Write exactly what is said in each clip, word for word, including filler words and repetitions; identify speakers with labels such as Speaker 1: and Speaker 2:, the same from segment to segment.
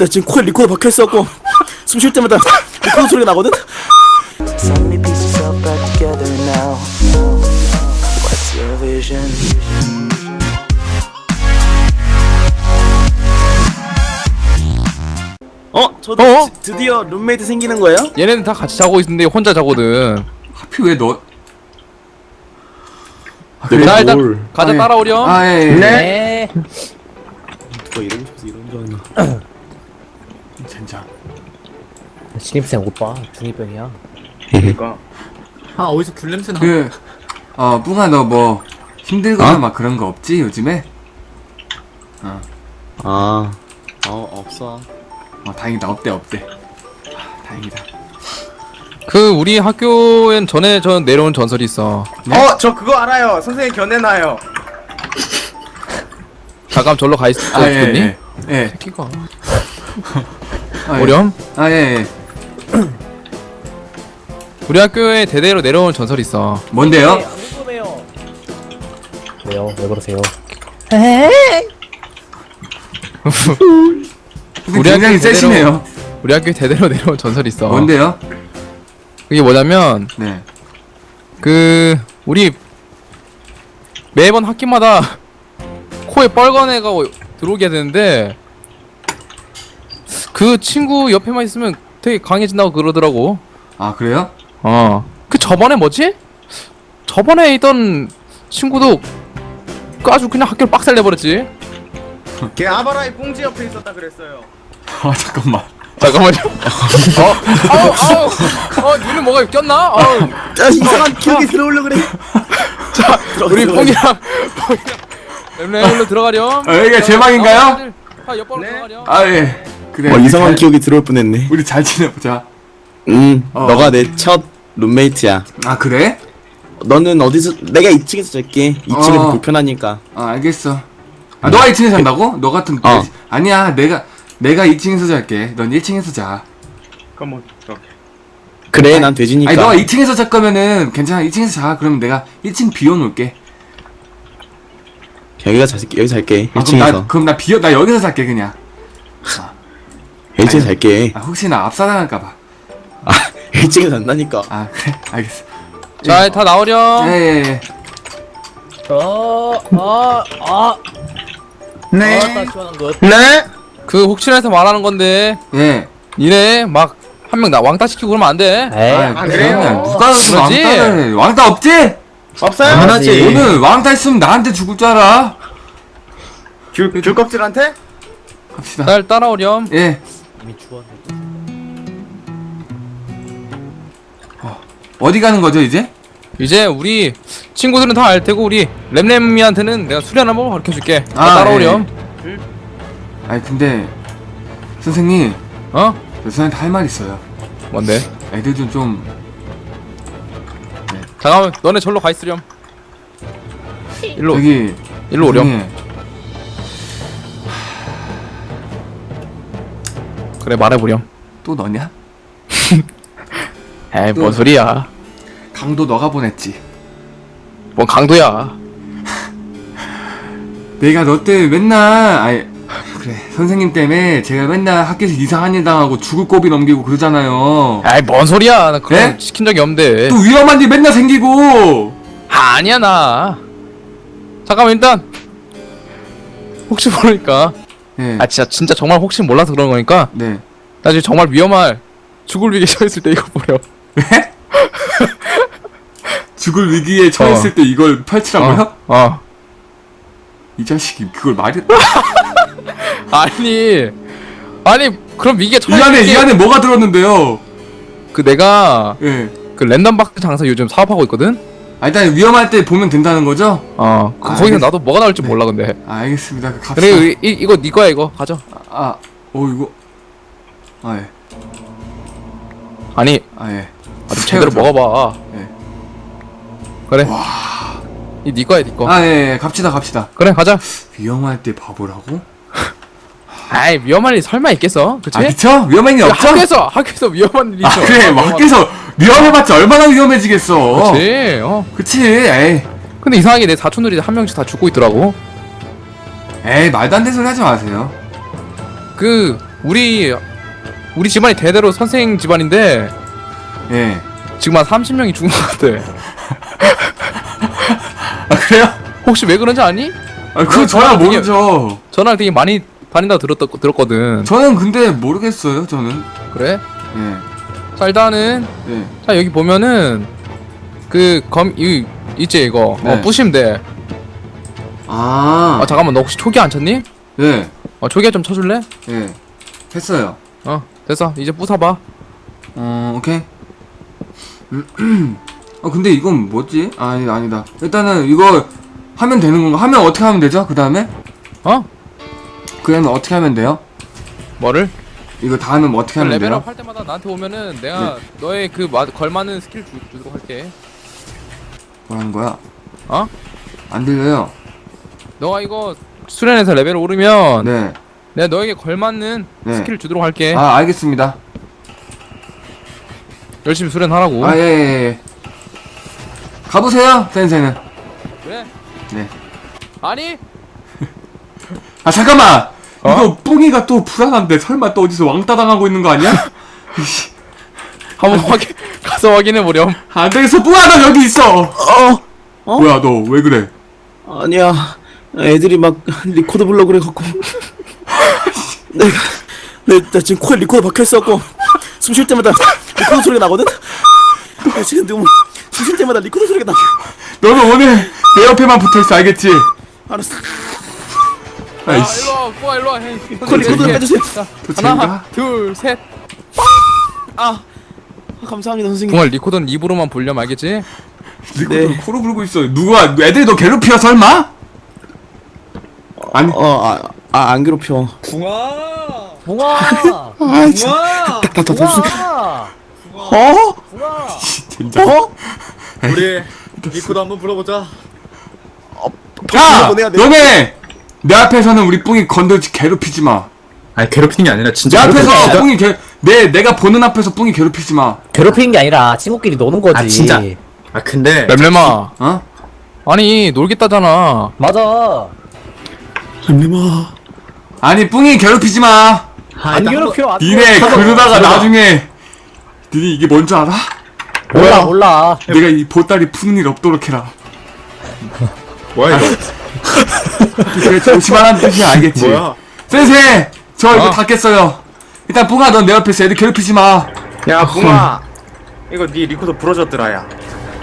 Speaker 1: 나 지금 코에 리코더 박혀있어갖고 숨 쉴 때마다 리코더 소리가 나거든?
Speaker 2: So many pieces all back together now. What's your vision?
Speaker 1: 어? 저도
Speaker 3: 어?
Speaker 1: 드, 드디어 룸메이트 생기는 거예요?
Speaker 3: 얘네는 다 같이 자고 있는데 혼자 자거든.
Speaker 4: 하필 왜 너? 아,
Speaker 1: 내가
Speaker 3: 자 일단
Speaker 1: 뭘.
Speaker 3: 가자
Speaker 4: 아, 예.
Speaker 3: 따라오렴.
Speaker 4: 아 예. 예.
Speaker 3: 네.
Speaker 1: 누가 이러고 싶어서 이런 줄 알았나.
Speaker 4: 젠장.
Speaker 5: 신입생 오빠 중이병이야.
Speaker 4: 그러니까.
Speaker 6: 아 어디서 귤 냄새 나?
Speaker 4: 그, 어, 뿡아 너 뭐 힘들거나
Speaker 1: 어?
Speaker 4: 막 그런 거 없지 요즘에? 어,
Speaker 1: 아, 어 없어.
Speaker 4: 어 다행이다 없대 없대. 아, 다행이다.
Speaker 3: 그 우리 학교엔 전에 저 내려온 전설이 있어.
Speaker 4: 네?
Speaker 7: 어, 저 그거 알아요. 선생님 견해나요.
Speaker 3: 잠깐 절로 가 있어.
Speaker 4: 아 예.
Speaker 3: 죽겠니?
Speaker 4: 예. 예.
Speaker 3: 새끼가.
Speaker 4: 아, 예.
Speaker 3: 오렴.
Speaker 4: 아 예. 예.
Speaker 3: 우리 학교에 대대로 내려온 전설이 있어.
Speaker 4: 뭔데요?
Speaker 5: 안 궁금해요. 왜요? 왜 그러세요?
Speaker 4: 우리 굉장히
Speaker 3: 학교
Speaker 4: 세시네요.
Speaker 3: 우리 학교에 대대로 내려온 전설이 있어.
Speaker 4: 뭔데요?
Speaker 3: 그게 뭐냐면
Speaker 4: 네.
Speaker 3: 그 우리 매번 학기마다 코에 빨간 애가 들어오게 되는데 그 친구 옆에만 있으면 되게 강해진다고 그러더라고.
Speaker 4: 아 그래요?
Speaker 3: 어. 그 저번에 뭐지? 저번에 있던 친구도 그 아주 그냥 학교를 빡살 내버렸지.
Speaker 7: 걔 아바라의 꽁지 옆에 있었다 그랬어요.
Speaker 4: 아 잠깐만.
Speaker 3: 잠깐만요. 어? 아우 아우 어 니는 뭐가 꼈나? 아우.
Speaker 1: 야, 이상한 기억이 들어오려 그래.
Speaker 3: 자
Speaker 1: 들어가,
Speaker 3: 우리
Speaker 1: 들어가.
Speaker 3: 뽕이랑 뽕이랑 랩랩으로 들어가렴.
Speaker 4: 아, 여기가 제 방인가요?
Speaker 3: 아 옆방으로
Speaker 7: 네.
Speaker 3: 들어가렴.
Speaker 4: 아 예. 그래.
Speaker 1: 어,
Speaker 4: 우리
Speaker 1: 이상한
Speaker 4: 잘-
Speaker 1: 기억이 들어올 뻔했네.
Speaker 4: 우리 잘 지내보자.
Speaker 1: 음,
Speaker 4: 어.
Speaker 1: 너가 내 첫 룸메이트야.
Speaker 4: 아 그래?
Speaker 1: 너는 어디서? 내가 이 층에서 잘게. 이 층에서
Speaker 4: 어.
Speaker 1: 불편하니까.
Speaker 4: 아 알겠어. 아 너가 이 층에 산다고? 너 같은 그
Speaker 1: 어.
Speaker 4: 아니야 내가 내가 이 층에서 잘게. 넌 일 층에서 자.
Speaker 7: 그럼 뭐 이렇게.
Speaker 1: 그래,
Speaker 4: 아니,
Speaker 1: 난 돼지니까.
Speaker 4: 아니 너가 이 층에서 잘 거면은 괜찮아. 이 층에서 자. 그러면 내가 일 층 비워놓을게.
Speaker 1: 여기가 잘 여기 잘게.
Speaker 4: 아, 그럼
Speaker 1: 일 층에서.
Speaker 4: 나 그럼 나 비워 나 여기서 잘게 그냥.
Speaker 1: 일 층에서
Speaker 4: 아니.
Speaker 1: 잘게.
Speaker 4: 아 혹시나 압사당할까봐.
Speaker 1: 아, 일 층에서 잔다니까.
Speaker 4: 아 그래 알겠어.
Speaker 3: 자 다 나오렴.
Speaker 4: 예예예.
Speaker 5: 어, 아, 아,
Speaker 7: 네.
Speaker 5: 아따 시원한 것.
Speaker 7: 네.
Speaker 3: 그 혹시나해서 말하는 건데
Speaker 4: 예.
Speaker 3: 니네 막 한 명 나 왕따 시키고 그러면 안 돼.
Speaker 5: 에이,
Speaker 7: 아, 그래요?
Speaker 4: 그러면 누가 무슨
Speaker 3: 그러지?
Speaker 4: 왕따를 해. 왕따 없지?
Speaker 7: 없어요?
Speaker 5: 당연하지.
Speaker 4: 오늘 왕따 있으면 나한테 죽을 줄 알아.
Speaker 7: 귤, 귤 껍질한테?
Speaker 4: 갑시다.
Speaker 3: 날 따라오렴.
Speaker 4: 예.
Speaker 5: 이미 추웠네.
Speaker 4: 어디 가는 거죠 이제?
Speaker 3: 이제 우리 친구들은 다 알 테고 우리 램램이한테는 내가 수련 한번 가르쳐 줄게.
Speaker 4: 아,
Speaker 3: 따라오렴.
Speaker 4: 아니 근데 선생님
Speaker 3: 어?
Speaker 4: 저 선생님한테 할 말 있어요.
Speaker 3: 뭔데?
Speaker 4: 애들 좀 좀
Speaker 3: 잠깐만 너네 절로 가 있으렴. 일로
Speaker 4: 저기
Speaker 3: 일로 오렴.
Speaker 4: 선생님,
Speaker 3: 그래 말해보렴.
Speaker 4: 또 너냐?
Speaker 3: 에이 뭔 소리야.
Speaker 4: 강도 너가 보냈지.
Speaker 3: 뭔 강도야.
Speaker 4: 내가 너 때문에 맨날 아이 그래 선생님 때문에 제가 맨날 학교에서 이상한 일 당하고 죽을 고비 넘기고 그러잖아요.
Speaker 3: 에이 뭔 소리야. 나 그런
Speaker 4: 네?
Speaker 3: 거 시킨 적이 없는데.
Speaker 4: 또 위험한 일 맨날 생기고.
Speaker 3: 아, 아니야 나. 잠깐만 일단 혹시 모르니까.
Speaker 4: 예.
Speaker 3: 아 진짜 진짜 정말 혹시 몰라서 그런 거니까.
Speaker 4: 네.
Speaker 3: 나중에 정말 위험할 죽을 위기에 처했을 때 이거 보렴.
Speaker 4: 왜? 죽을 위기에 처했을
Speaker 3: 어.
Speaker 4: 때 이걸 펼치라고요?
Speaker 3: 어. 어.
Speaker 4: 이 자식이 그걸 말이
Speaker 3: 아니 아니 그럼 위기에
Speaker 4: 이
Speaker 3: 처했을
Speaker 4: 안에 이
Speaker 3: 때
Speaker 4: 안에 뭐가 들었는데요?
Speaker 3: 그 내가
Speaker 4: 예.
Speaker 3: 그 랜덤 박스 장사 요즘 사업하고 있거든.
Speaker 4: 아 일단 위험할 때 보면 된다는 거죠?
Speaker 3: 어. 그
Speaker 4: 아,
Speaker 3: 거기서
Speaker 4: 알겠-
Speaker 3: 나도 뭐가 나올지 몰라 근데.
Speaker 4: 아, 알겠습니다. 그 갑시다.
Speaker 3: 그래 이, 이, 이거 네 거야 이거 가져.
Speaker 4: 아, 어 이거 아 예.
Speaker 3: 아니
Speaker 4: 아 예.
Speaker 3: 아, 좀 제대로 먹어봐.
Speaker 4: 예.
Speaker 3: 그래. 이 네 거야 네 거.
Speaker 4: 아 예, 예. 갑시다 갑시다.
Speaker 3: 그래 가자.
Speaker 4: 위험할 때 바보라고?
Speaker 3: 아이 위험한 일 설마 있겠어? 그치?
Speaker 4: 아 그쵸? 위험한 일
Speaker 3: 야,
Speaker 4: 없죠?
Speaker 3: 학교에서 학교에서 위험한 일이
Speaker 4: 아
Speaker 3: 있어.
Speaker 4: 그래 뭐 학교에서 위험해봤자 얼마나 위험해지겠어.
Speaker 3: 그치. 어.
Speaker 4: 그치. 에이.
Speaker 3: 근데 이상하게 내 사촌들이 한 명씩 다 죽고 있더라고.
Speaker 4: 에이 말도 안 되는 소리 하지 마세요.
Speaker 3: 그 우리 우리 집안이 대대로 선생 집안인데
Speaker 4: 예.
Speaker 3: 지금 한 삼십 명이 죽은 것 같아.
Speaker 4: 아 그래요?
Speaker 3: 혹시 왜 그런지 아니?
Speaker 4: 아 그거 저야
Speaker 3: 전화 되게-
Speaker 4: 모르죠.
Speaker 3: 전화를 되게 많이 다닌다고 들었다, 들었거든.
Speaker 4: 저는 근데 모르겠어요. 저는.
Speaker 3: 그래?
Speaker 4: 예.
Speaker 3: 자 일단은
Speaker 4: 예.
Speaker 3: 자 여기 보면은 그 검 이 있지 이거
Speaker 4: 네.
Speaker 3: 어 부시면 돼.
Speaker 4: 아.
Speaker 3: 아 잠깐만 너 혹시 초기 안 쳤니?
Speaker 4: 예.
Speaker 3: 어 초기 좀 쳐줄래?
Speaker 4: 예. 했어요.
Speaker 3: 어 됐어 이제 부숴봐.
Speaker 4: 어 오케이. 어 근데 이건 뭐지? 아 아니, 아니다. 일단은 이거 하면 되는 건가? 하면 어떻게 하면 되죠? 그 다음에?
Speaker 3: 어?
Speaker 4: 그 다음에 어떻게 하면 돼요?
Speaker 3: 뭐를?
Speaker 4: 이거 다 하면 어떻게 하면 돼요?
Speaker 3: 레벨업 할 때마다 나한테 오면은 내가 너의 그 마, 걸맞는 스킬 주, 주도록 할게.
Speaker 4: 뭐라는 거야?
Speaker 3: 어?
Speaker 4: 안 들려요.
Speaker 3: 너가 이거 수련해서 레벨 오르면
Speaker 4: 네.
Speaker 3: 내가 너에게 걸맞는
Speaker 4: 네.
Speaker 3: 스킬을 주도록 할게.
Speaker 4: 아 알겠습니다.
Speaker 3: 열심히 수련하라고.
Speaker 4: 아 예, 예, 예. 가보세요, 센세는.
Speaker 3: 그래?
Speaker 4: 네.
Speaker 3: 아니?
Speaker 4: 아 잠깐만.
Speaker 3: 어?
Speaker 4: 이거 뿡이가 또 불안한데 설마 또 어디서 왕따 당하고 있는 거 아니야?
Speaker 3: 한번 확인 가서 확인해 보렴.
Speaker 4: 안 되겠어, 뿡아 너 여기 있어.
Speaker 1: 어? 어?
Speaker 4: 뭐야 너 왜 그래?
Speaker 1: 아니야. 애들이 막 리코더 불러 그래 갖고. 내가 내, 나 지금 코에 리코더 박혀 있어갖고 숨 쉴 때마다 리코더 소리가 나거든. 나 지금 너무 숨 쉴 때마다 리코더 소리가 나.
Speaker 4: 너는 오늘 내 옆에만 붙어 있어, 알겠지?
Speaker 1: 알았어.
Speaker 3: 아
Speaker 4: 아이씨.
Speaker 3: 일로 와, 꼬아 일로 와. 헤이.
Speaker 1: 코 리코더
Speaker 3: 이렇게.
Speaker 1: 빼주세요.
Speaker 3: 자,
Speaker 4: 또
Speaker 3: 하나,
Speaker 4: 쟤인가?
Speaker 3: 둘, 셋.
Speaker 1: 아, 감사합니다 선생님.
Speaker 3: 정말 리코더는 입으로만 불렴 알겠지?
Speaker 4: 리코더
Speaker 1: 네.
Speaker 4: 코로 불고 있어. 누가 애들이 너 괴롭혀 설마? 아니.
Speaker 1: 어, 아, 아, 안 괴롭혀.
Speaker 6: 붕아
Speaker 5: 붕아!
Speaker 1: 아, 진짜.
Speaker 6: 붕아
Speaker 1: 다, 다, 다, 무슨.
Speaker 5: 붕아!
Speaker 1: 어?
Speaker 5: 붕아!
Speaker 4: 진짜.
Speaker 1: 어?
Speaker 6: 우리 리코도 한번 불러보자.
Speaker 4: 야,
Speaker 1: 보내야 돼.
Speaker 4: 너네 내 앞에서는 우리 뿡이 건들지 괴롭히지 마.
Speaker 6: 아니 괴롭히는 게 아니라
Speaker 4: 내
Speaker 6: 진짜
Speaker 4: 앞에서 뿡이 괴, 내 내가 보는 앞에서 뿡이 괴롭히지 마.
Speaker 5: 괴롭히는 게 아니라 친구끼리 노는 거지.
Speaker 6: 아 진짜 아 근데
Speaker 3: 램램아.
Speaker 4: 어?
Speaker 3: 아니 놀겠다잖아.
Speaker 5: 맞아.
Speaker 1: 렘렘아.
Speaker 4: 아니 뿡이 괴롭히지 마.
Speaker 5: 안 괴롭혀. 안
Speaker 4: 니네
Speaker 5: 괴롭혀.
Speaker 4: 그러다가 나중에 니네 이게 뭔 줄 알아?
Speaker 5: 몰라 몰라.
Speaker 4: 내가 이 보따리 푸는 일 없도록 해라.
Speaker 6: 뭐야 이거
Speaker 4: 그래 조심하라는 뜻이야, 알겠지?
Speaker 6: 뭐야
Speaker 4: 센세 저 이거
Speaker 3: 어?
Speaker 4: 다 깼어요. 일단 뿡아 넌 내 옆에서 애들 괴롭히지 마.
Speaker 7: 야 붕아 이거 네 리코더 부러졌더라 야.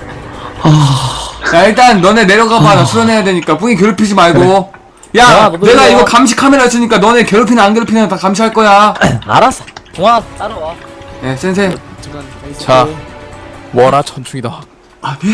Speaker 4: 야 일단 너네 내려가봐. 나 수련해야 되니까 뿡이 괴롭히지 말고. 야
Speaker 5: 야, 너도
Speaker 4: 내가
Speaker 5: 내려와.
Speaker 4: 이거 감시 카메라 있으니까 너네 괴롭히나 안 괴롭히나 다 감시할 거야.
Speaker 5: 알았어. 붕아 따라와.
Speaker 4: 예 센세.
Speaker 3: 자, 뭐라 천충이다.
Speaker 4: 아 네?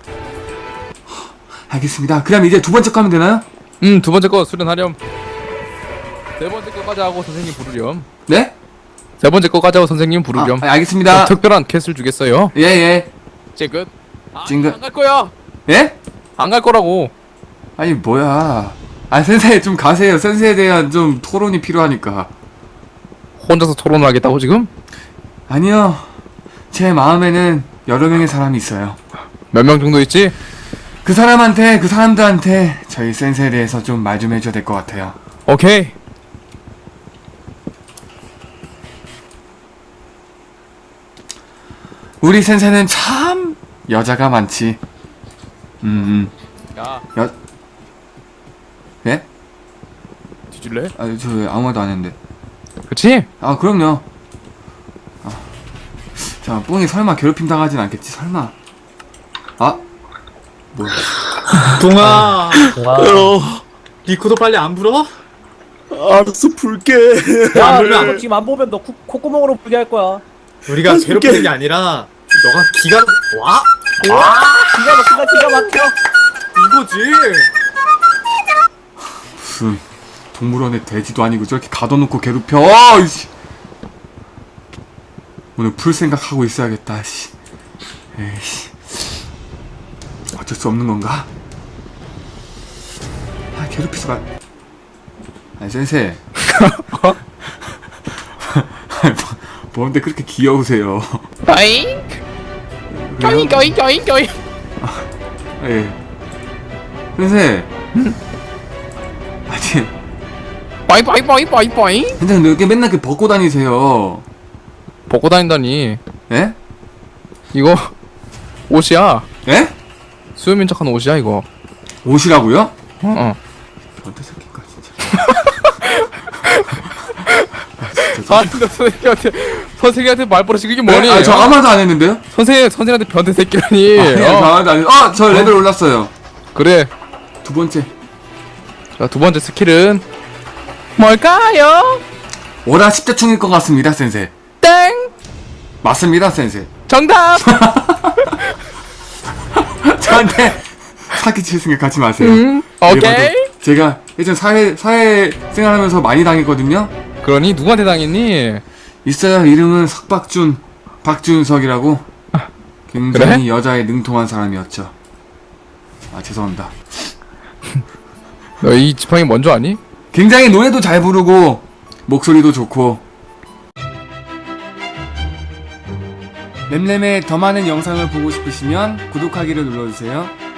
Speaker 4: 알겠습니다. 그럼 이제 두 번째 거 하면 되나요?
Speaker 3: 음, 두 번째 거 수련하렴. 세 번째 거까지 하고 선생님 부르렴.
Speaker 4: 네?
Speaker 3: 세 번째 거까지 하고 선생님
Speaker 4: 아,
Speaker 3: 부르렴.
Speaker 4: 아, 알겠습니다.
Speaker 3: 어, 특별한 캣을 주겠어요.
Speaker 4: 예 예.
Speaker 3: 이제 끝. 아,
Speaker 4: 찡긋.
Speaker 3: 안갈 거야.
Speaker 4: 예?
Speaker 3: 안 갈 거라고.
Speaker 4: 아니 뭐야. 아 센세 좀 가세요. 센세에 대한 좀 토론이 필요하니까.
Speaker 3: 혼자서 토론을 하겠다고 지금?
Speaker 4: 아니요. 제 마음에는 여러 명의 사람이 있어요.
Speaker 3: 몇 명 정도 있지?
Speaker 4: 그 사람한테 그 사람들한테 저희 센세에 대해서 좀 말 좀 해줘야 될 것 같아요.
Speaker 3: 오케이.
Speaker 4: 우리 센세는 참 여자가 많지. 음,
Speaker 3: 야,
Speaker 4: 음. 여 예?
Speaker 3: 뒤질래?
Speaker 4: 아, 저 왜 아무 말도 안 했는데.
Speaker 3: 그치?
Speaker 4: 아, 그럼요. 아. 자, 뿡이 설마 괴롭힘 당하진 않겠지? 설마. 아, 뭐야?
Speaker 6: 붕아
Speaker 5: 붕아.
Speaker 1: 어,
Speaker 6: 리코도 빨리 안 불어?
Speaker 1: 알았어, 불게.
Speaker 5: 야,
Speaker 6: 안
Speaker 5: 너
Speaker 6: 불면
Speaker 5: 지금 안 보면 너 코, 콧구멍으로 불게 할 거야.
Speaker 6: 우리가
Speaker 1: 어떡해.
Speaker 6: 괴롭히는 게 아니라 너가 기가 와
Speaker 5: 기가 막힌다 기가 막혀.
Speaker 6: 이거지
Speaker 4: 무슨 동물원에 돼지도 아니고 저렇게 가둬놓고 괴롭혀. 어, 이씨. 오늘 풀 생각하고 있어야겠다. 씨. 에이씨. 어쩔 수 없는 건가? 아, 괴롭히지 마. 아니 센세. 뭔데 그렇게 귀여우세요?
Speaker 3: 어잉? 어잉 어잉 어잉 어잉.
Speaker 4: 예. 센세. 아니
Speaker 3: 빠이 빠이 빠이 빠이 빠이.
Speaker 4: 선생님 왜 이렇게 맨날 그 벗고 다니세요?
Speaker 3: 벗고 다닌다니.
Speaker 4: 예?
Speaker 3: 이거 옷이야.
Speaker 4: 예?
Speaker 3: 수염인 척한 옷이야 이거.
Speaker 4: 옷이라고요?
Speaker 3: 어. 어.
Speaker 4: 변태 새끼가 진짜.
Speaker 3: 아니 너 선생님한테 선생님한테 말버릇이 그게 뭐니?
Speaker 4: 네? 아, 저
Speaker 3: 어?
Speaker 4: 아무 말도 안 했는데요?
Speaker 3: 선생님 선생님한테 변태 새끼라니.
Speaker 4: 아니, 저
Speaker 3: 어.
Speaker 4: 아무 말도 안 했. 아, 저 레벨 올랐어요.
Speaker 3: 그래.
Speaker 4: 두 번째.
Speaker 3: 자, 두 번째 스킬은 뭘까요?
Speaker 4: 월화 십자충일 것 같습니다, 센세.
Speaker 3: 땡!
Speaker 4: 맞습니다, 센세.
Speaker 3: 정답!
Speaker 4: 저한테 사기칠 생각 갖지 마세요.
Speaker 3: 음, 오케이.
Speaker 4: 그래봐도 제가 예전 사회 사회 생활하면서 많이 당했거든요.
Speaker 3: 그러니 누구한테 당했니?
Speaker 4: 있어요. 이름은 석박준, 박준석이라고. 굉장히 여자에 능통한 사람이었죠. 아 죄송합니다.
Speaker 3: 너 이 지팡이 뭔줄 아니?
Speaker 4: 굉장히 노래도 잘 부르고 목소리도 좋고. 램램의 더 많은 영상을 보고 싶으시면 구독하기를 눌러주세요.